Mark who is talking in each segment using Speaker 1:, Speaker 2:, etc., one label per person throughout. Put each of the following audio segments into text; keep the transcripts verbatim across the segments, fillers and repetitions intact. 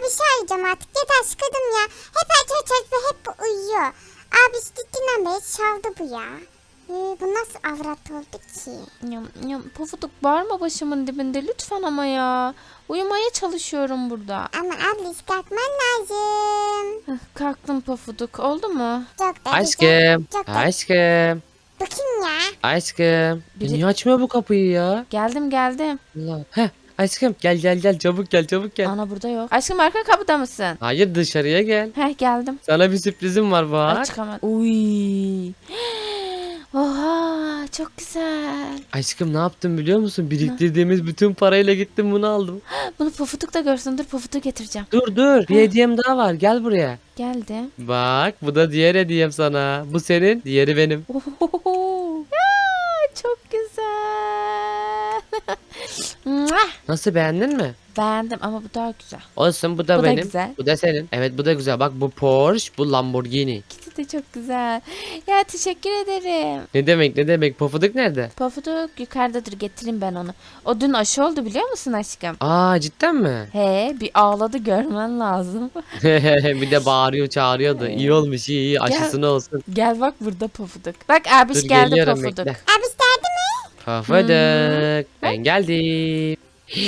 Speaker 1: Abi arayacağım artık. Yeter sıkıldım ya. Hep aç aç aç ve hep uyuyor. Abi gittiğinden beri çaldı bu ya. Ee, bu nasıl avrat oldu ki?
Speaker 2: Yam, yam, Pofuduk bağırma başımın dibinde lütfen ama ya. Uyumaya çalışıyorum burada.
Speaker 1: Ama abla kalkman lazım.
Speaker 2: Heh, kalktım Pofuduk. Oldu mu?
Speaker 1: Çok da
Speaker 3: Aşkım.
Speaker 1: güzel. Çok da...
Speaker 3: Aşkım.
Speaker 1: Bu kim ya?
Speaker 3: Aşkım.
Speaker 2: Biri-
Speaker 3: Niye açmıyor bu kapıyı ya?
Speaker 2: Geldim geldim.
Speaker 3: Allah. Heh. Aşkım gel gel gel çabuk gel çabuk gel.
Speaker 2: Ana burada yok. Aşkım arka kapıda mısın?
Speaker 3: Hayır dışarıya gel.
Speaker 2: Heh geldim.
Speaker 3: Sana bir sürprizim var
Speaker 2: Ay
Speaker 3: bak.
Speaker 2: çıkamadım. Uy. Oha çok güzel.
Speaker 3: Aşkım ne yaptım biliyor musun? Biriktirdiğimiz bütün parayla gittim bunu aldım.
Speaker 2: Bunu Pofuduk da görsün. Dur Pofuduk getireceğim.
Speaker 3: Dur dur. Bir hediyem daha var. Gel buraya.
Speaker 2: Geldim.
Speaker 3: Bak bu da diğer hediyem sana. Bu senin, diğeri benim.
Speaker 2: Ohohoho. Ya, çok güzel. Mwah!
Speaker 3: Nasıl beğendin mi?
Speaker 2: Beğendim ama bu daha güzel.
Speaker 3: Olsun bu da
Speaker 2: Bu da
Speaker 3: benim.
Speaker 2: güzel.
Speaker 3: Bu da senin. Evet bu da güzel. Bak bu Porsche, bu Lamborghini.
Speaker 2: İkisi de çok güzel. Ya teşekkür ederim.
Speaker 3: Ne demek ne demek? Pofuduk nerede?
Speaker 2: Pofuduk yukarıdadır, getireyim ben onu. O dün aşı oldu biliyor musun aşkım?
Speaker 3: Aa cidden mi?
Speaker 2: He bir ağladı, görmen lazım.
Speaker 3: Bir de bağırıyor çağırıyordu. İyi olmuş iyi iyi aşısını olsun.
Speaker 2: Gel bak burada Pofuduk. Bak abiş
Speaker 3: Dur,
Speaker 2: geldi
Speaker 3: geliyorum,
Speaker 2: Pofuduk.
Speaker 3: bekle.
Speaker 1: Abi geldi mi?
Speaker 3: Pofuduk. Ben geldim.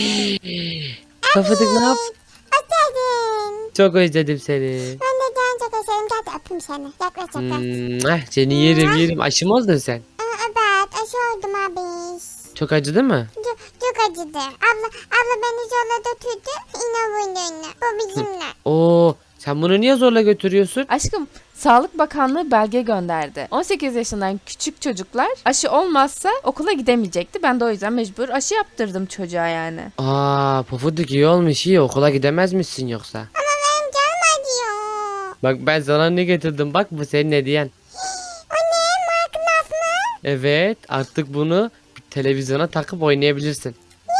Speaker 3: Pofuduk ne yap?
Speaker 1: Hoş geldin.
Speaker 3: Çok özledim seni.
Speaker 1: Ben de can çok özledim. Gel de öpeyim seni. Yaklaş yaklaş.
Speaker 3: Hmm, ah, seni yerim yerim. Aşı mı oldun sen?
Speaker 1: Aa, evet aşı oldum abi.
Speaker 3: Çok acıdı mı?
Speaker 1: Çok, çok acıdı. Abla, abla beni zorla götürdü. İne bunu. Bu bizimle.
Speaker 3: Oo, sen bunu niye zorla götürüyorsun?
Speaker 2: Aşkım Sağlık Bakanlığı belge gönderdi. on sekiz yaşından küçük çocuklar aşı olmazsa okula gidemeyecekti. Ben de o yüzden mecbur aşı yaptırdım çocuğa yani.
Speaker 3: Aa, Pofuduk iyi olmuş iyi. Okula gidemez misin yoksa?
Speaker 1: Ama benim canım acıyor.
Speaker 3: Bak ben sana ne getirdim. Bak bu senin hediyen.
Speaker 1: O ne? Minecraft mı?
Speaker 3: Evet artık bunu televizyona takıp oynayabilirsin.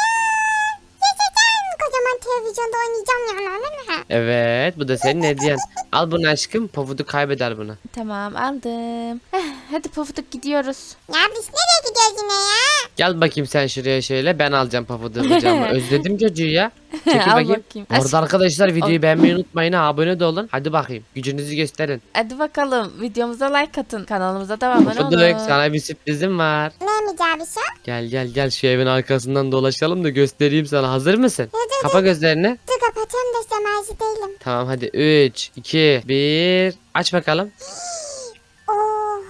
Speaker 1: Yaşasın. Kocaman televizyonda oynayacağım yani öyle mi?
Speaker 3: Evet bu da senin hediyen. Al bunu aşkım. Pofuduk kaybeder bunu.
Speaker 2: Tamam aldım. Eh, hadi Pofuduk gidiyoruz.
Speaker 1: Ya biz nereye gidiyoruz yine ya?
Speaker 3: Gel bakayım sen şuraya şöyle. Ben alacağım Pofuduk'u kucağıma. Özledim çocuğu ya. Çekil
Speaker 2: Al
Speaker 3: bakayım.
Speaker 2: bakayım.
Speaker 3: Orada arkadaşlar videoyu beğenmeyi unutmayın. ha, Abone de olun. Hadi bakayım. Gücünüzü gösterin.
Speaker 2: Hadi bakalım videomuza like atın. Kanalımıza da abone
Speaker 3: Pofuduk
Speaker 2: olun.
Speaker 3: sana bir sürprizim var.
Speaker 1: Neymiş abi şu?
Speaker 3: Gel gel gel şu evin arkasından dolaşalım da göstereyim sana. Hazır mısın?
Speaker 1: Dur dur
Speaker 3: Kapa gözlerini.
Speaker 1: dur kapatacağım da işte mersi değilim.
Speaker 3: Tamam hadi üç, iki, bir. Aç bakalım.
Speaker 1: Oha.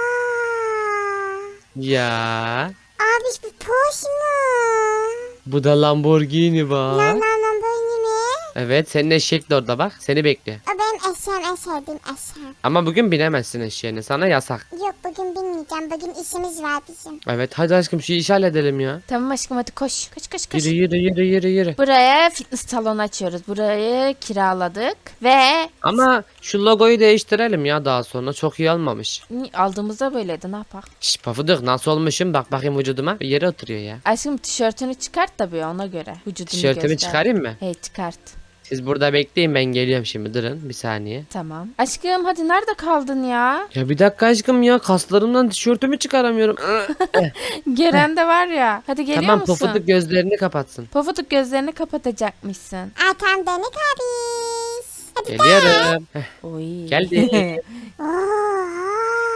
Speaker 3: Ya.
Speaker 1: Abi bu Porsche mu?
Speaker 3: Bu da Lamborghini
Speaker 1: Lan
Speaker 3: bak.
Speaker 1: lan lan böyle mi?
Speaker 3: Evet senin eşek de orada bak. Seni bekliyor.
Speaker 1: O benim eşeğim en sevdiğim eşeğim.
Speaker 3: Ama bugün binemezsin eşeğine. Sana yasak.
Speaker 1: Yok bugün binmeyeceğim. Bugün işimiz var bizim.
Speaker 3: Evet hadi aşkım şu işi halledelim ya.
Speaker 2: Tamam aşkım hadi koş. Koş koş koş.
Speaker 3: Yürü yürü yürü yürü yürü.
Speaker 2: Buraya fitness salonu açıyoruz. Burayı kiraladık ve
Speaker 3: Ama şu logoyu değiştirelim ya daha sonra. Çok iyi olmamış.
Speaker 2: aldığımızda böyleydi, ne yapak?
Speaker 3: Şş Pafuduk nasıl olmuşum? Bak bakayım vücuduma. Bir yere oturuyor ya.
Speaker 2: Aşkım tişörtünü çıkart tabii ona göre. Vücudunu
Speaker 3: Tişörtümü
Speaker 2: göster.
Speaker 3: çıkarayım mı?
Speaker 2: Hey çıkart.
Speaker 3: Siz burada bekleyin ben geliyorum şimdi. Durun bir saniye.
Speaker 2: Tamam. Aşkım hadi nerede kaldın ya?
Speaker 3: Ya bir dakika aşkım ya. Kaslarımdan tişörtümü çıkaramıyorum.
Speaker 2: Gelen de var ya. Hadi geliyor
Speaker 3: Tamam
Speaker 2: musun?
Speaker 3: Pofuduk gözlerini kapatsın.
Speaker 2: Pofuduk gözlerini kapatacakmışsın.
Speaker 1: Ay tam denek abi. Hadi
Speaker 3: Geliyorum. Heh,
Speaker 2: Oy.
Speaker 3: Geldi.
Speaker 1: Oha.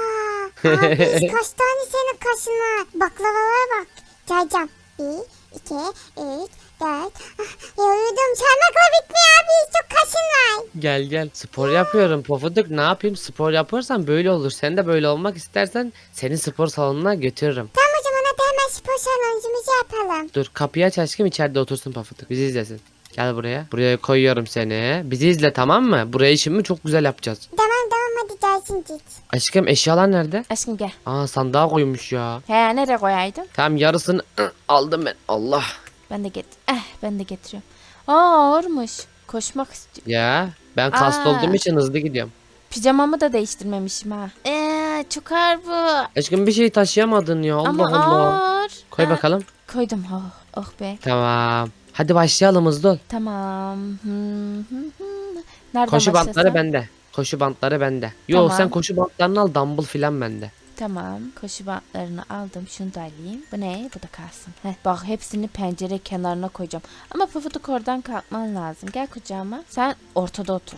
Speaker 1: Abi kaç tane senin kaşına. Baklavalara bak. Cayacağım. Bir, iki, üç, dört. Ah, yoruldum. Çarmakla bitmiyor abi. Çok kaşın var.
Speaker 3: Gel gel. Spor yapıyorum Pofuduk. Ne yapayım? Spor yaparsan böyle olur. Sen de böyle olmak istersen seni spor salonuna götürürüm.
Speaker 1: Tamam o zaman hadi hemen spor saloncumuzu yapalım.
Speaker 3: Dur kapıyı aç aşkım içeride otursun Pofuduk. Bizi izlesin. Gel buraya. Buraya koyuyorum seni. Bizi izle tamam mı? Burayı şimdi çok güzel yapacağız.
Speaker 1: Tamam tamam hadi gelsin git.
Speaker 3: Aşkım eşyalar nerede?
Speaker 2: Aşkım gel.
Speaker 3: Aa sandığa koymuş ya.
Speaker 2: He nereye koyaydın?
Speaker 3: Tamam yarısını ı, aldım ben. Allah.
Speaker 2: Ben de get. Eh ben de getiriyorum. Aa ağırmış. Koşmak istiyor.
Speaker 3: Ya ben kaslı
Speaker 2: Aa.
Speaker 3: olduğum için hızlı gidiyorum.
Speaker 2: Pijamamı da değiştirmemişim ha. Eee çok ağır bu.
Speaker 3: Aşkım bir şey taşıyamadın ya. Allah
Speaker 2: Ama
Speaker 3: Allah.
Speaker 2: ağır.
Speaker 3: Koy
Speaker 2: Aa,
Speaker 3: bakalım.
Speaker 2: Koydum. Oh, oh be.
Speaker 3: Tamam. Hadi başlayalım hızlı ol.
Speaker 2: Tamam. Hı, hı, hı. Nereden
Speaker 3: Koşu bantları
Speaker 2: başlasam?
Speaker 3: bende. Koşu bantları bende. Yo
Speaker 2: Tamam.
Speaker 3: sen koşu bantlarını al dumbbell filan bende.
Speaker 2: Tamam. Koşu bantlarını aldım. Şunu da alayım. Bu ne? Bu da kalsın. Heh, bak hepsini pencere kenarına koyacağım. Ama Pufuduk oradan kalkman lazım. Gel kucağıma. Sen ortada otur.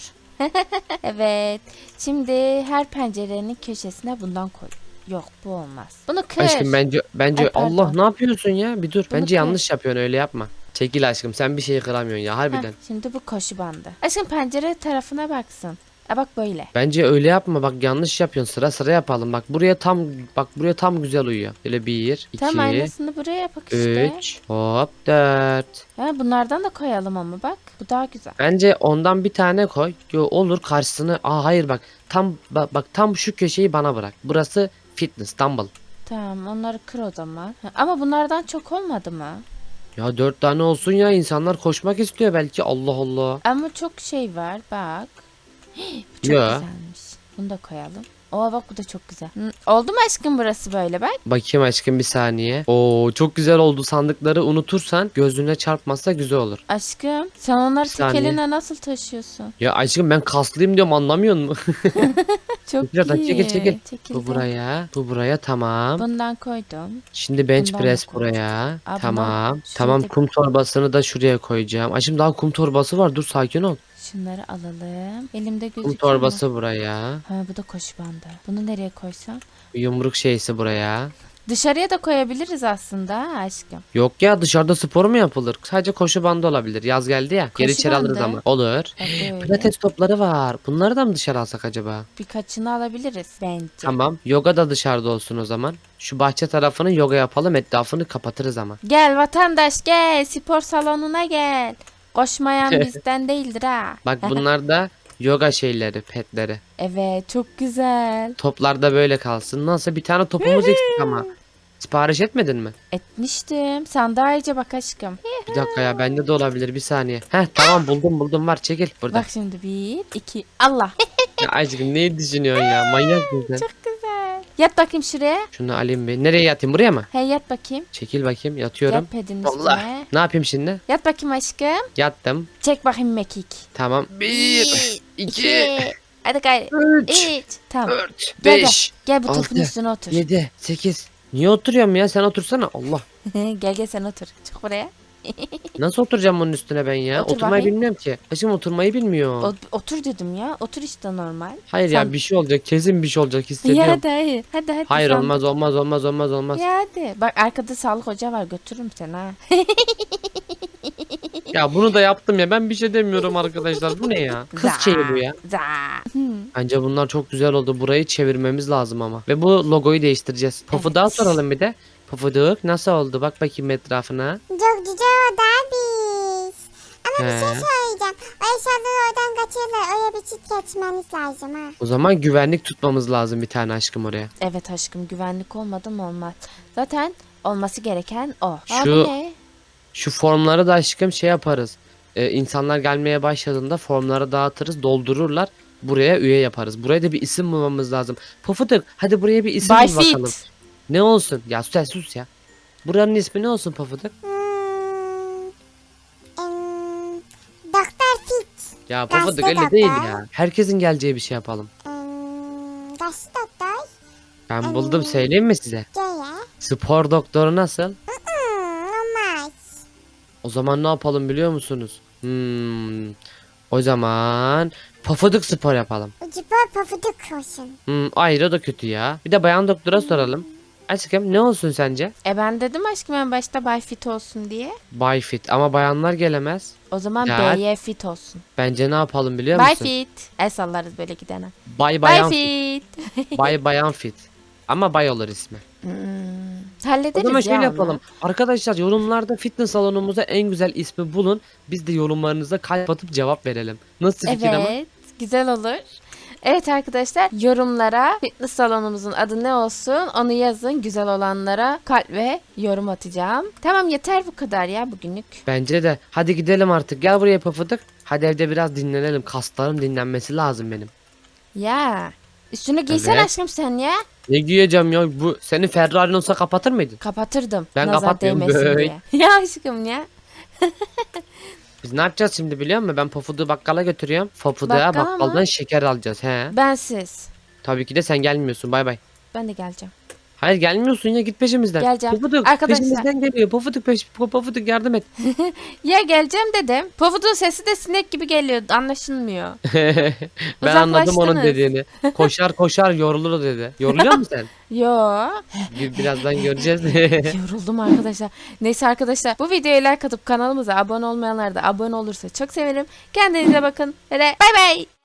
Speaker 2: Evet. Şimdi her pencerenin köşesine bundan koy. Yok bu olmaz. Bunu kır.
Speaker 3: Aşkım bence bence
Speaker 2: Ay, pardon.
Speaker 3: Allah ne yapıyorsun ya? Bir dur.
Speaker 2: Bunu
Speaker 3: Bence
Speaker 2: kır.
Speaker 3: yanlış yapıyorsun, öyle yapma. Çekil aşkım, sen bir şeyi kıramıyorsun ya
Speaker 2: Heh,
Speaker 3: harbiden.
Speaker 2: şimdi bu koşu bandı. Aşkım pencere tarafına baksın. E bak böyle.
Speaker 3: Bence öyle yapma, bak yanlış yapıyorsun, sıra sıra yapalım. Bak buraya tam bak buraya tam güzel uyuyor. Böyle bir,
Speaker 2: Tam
Speaker 3: iki,
Speaker 2: aynısını buraya yapak işte.
Speaker 3: üç, hop dört.
Speaker 2: Ha, bunlardan da koyalım ama bak. Bu daha güzel.
Speaker 3: Bence ondan bir tane koy. Yo, olur karşısını. Aa hayır bak. Tam bak, bak tam şu köşeyi bana bırak. Burası fitness, dumbbell.
Speaker 2: Tamam onları kır o zaman. Ha, ama bunlardan çok olmadı mı?
Speaker 3: Ya dört tane olsun ya, insanlar koşmak istiyor belki, Allah Allah.
Speaker 2: Ama çok şey var bak. Hii, bu çok
Speaker 3: Ya.
Speaker 2: güzelmiş. Bunu da koyalım. Oo bak bu da çok güzel. Hı, oldu mu aşkım burası böyle bak?
Speaker 3: Bakayım aşkım bir saniye. Oo çok güzel oldu, sandıkları unutursan gözüne çarpmazsa güzel olur.
Speaker 2: Aşkım sen onları
Speaker 3: Bir
Speaker 2: tek
Speaker 3: saniye.
Speaker 2: eline nasıl taşıyorsun?
Speaker 3: Ya aşkım ben kaslıyım diyorum, anlamıyor musun?
Speaker 2: Çok
Speaker 3: Biraz daha
Speaker 2: iyi.
Speaker 3: çekil, çekil.
Speaker 2: Çekildi.
Speaker 3: Bu buraya, bu buraya, tamam.
Speaker 2: Bundan koydum.
Speaker 3: Şimdi bench
Speaker 2: bundan da
Speaker 3: press
Speaker 2: koy.
Speaker 3: buraya.
Speaker 2: Aa,
Speaker 3: Tamam.
Speaker 2: bundan
Speaker 3: Tamam,
Speaker 2: şurada-
Speaker 3: kum torbasını da şuraya koyacağım. Aşkım daha kum torbası var, dur sakin ol.
Speaker 2: Şunları alalım. Elimde
Speaker 3: Kum
Speaker 2: gözüküyor mu?
Speaker 3: torbası buraya.
Speaker 2: Ha bu da koşu bandı. Bunu nereye koysam?
Speaker 3: Yumruk şeysi buraya.
Speaker 2: Dışarıya da koyabiliriz aslında ha aşkım.
Speaker 3: Yok ya, dışarıda spor mu yapılır? Sadece koşu bandı olabilir. Yaz geldi ya. Geri
Speaker 2: Koşu
Speaker 3: içeri alırız
Speaker 2: bandı.
Speaker 3: ama. Olur.
Speaker 2: Bak böyle.
Speaker 3: Pilates topları var. Bunları da mı dışarı alsak acaba?
Speaker 2: Birkaçını alabiliriz bence.
Speaker 3: Tamam. Yoga da dışarıda olsun o zaman. Şu bahçe tarafını yoga yapalım. Etrafını kapatırız ama.
Speaker 2: Gel vatandaş gel. Spor salonuna gel. Koşmayan bizden değildir ha.
Speaker 3: Bak bunlar da yoga şeyleri, petleri.
Speaker 2: Evet çok güzel.
Speaker 3: Toplar da böyle kalsın. Nasıl, bir tane topumuz eksik ama. Sipariş etmedin mi?
Speaker 2: Etmiştim. Sen daha iyice bak aşkım.
Speaker 3: Bir dakika ya, bende de olabilir, bir saniye. Heh tamam, buldum buldum, var, çekil burada.
Speaker 2: Bak şimdi bir, iki. Allah.
Speaker 3: Ya aşkım neyi düşünüyorsun ya, manyak mısın sen?
Speaker 2: Çok güzel. Yat bakayım şuraya.
Speaker 3: Şunu alayım bir. Nereye yatayım, buraya mı?
Speaker 2: Hey yat bakayım.
Speaker 3: Çekil bakayım, yatıyorum.
Speaker 2: Yat pedinin
Speaker 3: Allah.
Speaker 2: üstüne.
Speaker 3: Ne yapayım şimdi?
Speaker 2: Yat bakayım aşkım.
Speaker 3: Yattım.
Speaker 2: Çek bakayım mekik.
Speaker 3: Tamam. Bir, iki,
Speaker 2: Hadi gayret.
Speaker 3: üç,
Speaker 2: Üç. Tamam.
Speaker 3: dört,
Speaker 2: Gel,
Speaker 3: beş,
Speaker 2: Gel bu
Speaker 3: altı,
Speaker 2: topun üstüne otur.
Speaker 3: yedi, sekiz. Niye oturuyorum ya? Sen otursana. Allah.
Speaker 2: Gel gel sen otur. Çık buraya.
Speaker 3: Nasıl oturacağım bunun üstüne ben ya?
Speaker 2: Otur
Speaker 3: Oturmayı
Speaker 2: bakayım.
Speaker 3: bilmiyorum ki. Aşkım oturmayı bilmiyor.
Speaker 2: O- otur dedim ya. Otur işte normal.
Speaker 3: Hayır
Speaker 2: Sen-
Speaker 3: ya, bir şey olacak. Kesin bir şey olacak,
Speaker 2: Ya
Speaker 3: hissediyorum.
Speaker 2: hadi hayır. Hadi hadi.
Speaker 3: Hayır,
Speaker 2: sen-
Speaker 3: olmaz olmaz olmaz olmaz olmaz.
Speaker 2: Ya hadi. Bak arkada sağlık hoca var. Götürürüm seni ha.
Speaker 3: Ya bunu da yaptım ya. Ben bir şey demiyorum arkadaşlar. Bu ne ya? Kız
Speaker 2: Za,
Speaker 3: şeyi bu ya.
Speaker 2: za. Hı.
Speaker 3: Bence bunlar çok güzel oldu. Burayı çevirmemiz lazım ama. Ve bu logoyu değiştireceğiz. Pofuduk'a
Speaker 2: Evet.
Speaker 3: soralım bir de. Pofuduk nasıl oldu? Bak bakayım etrafına.
Speaker 1: Çok güzel oldu abi. Ama bir
Speaker 3: He.
Speaker 1: şey söyleyeceğim. O eşyaları oradan kaçırırlar. Oraya bir çift geçmeniz lazım ha.
Speaker 3: O zaman güvenlik tutmamız lazım bir tane aşkım oraya.
Speaker 2: Evet aşkım güvenlik olmadı mı olmaz. Zaten olması gereken o. Aa,
Speaker 3: Şu-
Speaker 2: bu ne?
Speaker 3: Şu formları da aşkım şey yaparız. Ee, insanlar gelmeye başladığında formları dağıtırız, doldururlar. Buraya üye yaparız. Buraya da bir isim bulmamız lazım. Pofuduk hadi buraya bir isim
Speaker 2: By
Speaker 3: bul bakalım.
Speaker 2: Fit.
Speaker 3: Ne olsun? Ya sus sus ya. Buranın ismi ne olsun Pofuduk?
Speaker 1: Hmm. Em, Doktor Fit.
Speaker 3: Ya
Speaker 1: Gazete
Speaker 3: Pofuduk öyle
Speaker 1: doktor.
Speaker 3: değil ya. Herkesin geleceği bir şey yapalım.
Speaker 1: Em, Gazete doktor.
Speaker 3: Ben buldum, söyleyeyim mi size?
Speaker 1: G'ye.
Speaker 3: Spor doktoru nasıl?
Speaker 1: Hmm, olmaz.
Speaker 3: O zaman ne yapalım biliyor musunuz? Hmm. O zaman Pofuduk spor yapalım.
Speaker 1: Ucuba pafuduk olsun.
Speaker 3: Hmm, ayrı da kötü ya. Bir de bayan doktora soralım. Aşkım ne olsun sence?
Speaker 2: E ben dedim aşkım en başta Bay Fit olsun diye.
Speaker 3: Bay fit ama bayanlar gelemez.
Speaker 2: O zaman
Speaker 3: Ya.
Speaker 2: B'ye Fit olsun.
Speaker 3: Bence ne yapalım biliyor
Speaker 2: Bay
Speaker 3: musun?
Speaker 2: Fit. El sallarız böyle gidene.
Speaker 3: Bay
Speaker 2: Bay
Speaker 3: bayan fit.
Speaker 2: Fit.
Speaker 3: Bay bayan fit. Ama bay olur ismi.
Speaker 2: Hmm,
Speaker 3: O
Speaker 2: hallederiz
Speaker 3: zaman
Speaker 2: ya
Speaker 3: şöyle
Speaker 2: onu.
Speaker 3: yapalım. Arkadaşlar yorumlarda fitness salonumuza en güzel ismi bulun. Biz de yorumlarınıza kalp atıp cevap verelim. Nasıl fikir ama?
Speaker 2: Evet. Güzel olur. Evet arkadaşlar yorumlara fitness salonumuzun adı ne olsun onu yazın. Güzel olanlara kalp ve yorum atacağım. Tamam yeter bu kadar ya bugünlük.
Speaker 3: Bence de. Hadi gidelim artık. Gel buraya Pofuduk. Hadi evde biraz dinlenelim. Kaslarım dinlenmesi lazım benim.
Speaker 2: Ya üstüne giysen
Speaker 3: Evet.
Speaker 2: aşkım sen ya.
Speaker 3: Ne giyeceğim ya? Bu senin Ferrari'n olsa kapatır mıydın?
Speaker 2: Kapatırdım.
Speaker 3: Ben
Speaker 2: nazar
Speaker 3: kapatmıyorum,
Speaker 2: değmesin
Speaker 3: böyle.
Speaker 2: diye. Ya aşkım ya.
Speaker 3: Biz ne yapacağız şimdi biliyor musun? Ben Pofuduk'u bakkala götürüyorum. Pofuduk'a
Speaker 2: Bakkala mı?
Speaker 3: bakkaldan şeker alacağız. He.
Speaker 2: Bensiz.
Speaker 3: Tabii ki de sen gelmiyorsun. Bay bay.
Speaker 2: ben de geleceğim.
Speaker 3: Hayır gelmiyorsun ya, git peşimizden.
Speaker 2: Geleceğim.
Speaker 3: Pofuduk
Speaker 2: Arkadaşlar-
Speaker 3: peşimizden geliyor. Pofuduk peş Pofuduk yardım et.
Speaker 2: Ya geleceğim dedim. Pofudun sesi de sinek gibi geliyor. Anlaşılmıyor.
Speaker 3: Ben anladım onun
Speaker 2: Uzaklaştınız.
Speaker 3: dediğini. Koşar koşar yorulur dedi. Yoruluyor musun sen?
Speaker 2: Yo.
Speaker 3: Bir, birazdan göreceğiz.
Speaker 2: Yoruldum arkadaşlar. Neyse arkadaşlar, bu videoya like atıp kanalımıza abone olmayanlar da abone olursa çok sevinirim. Kendinize bakın. Ve bay bay.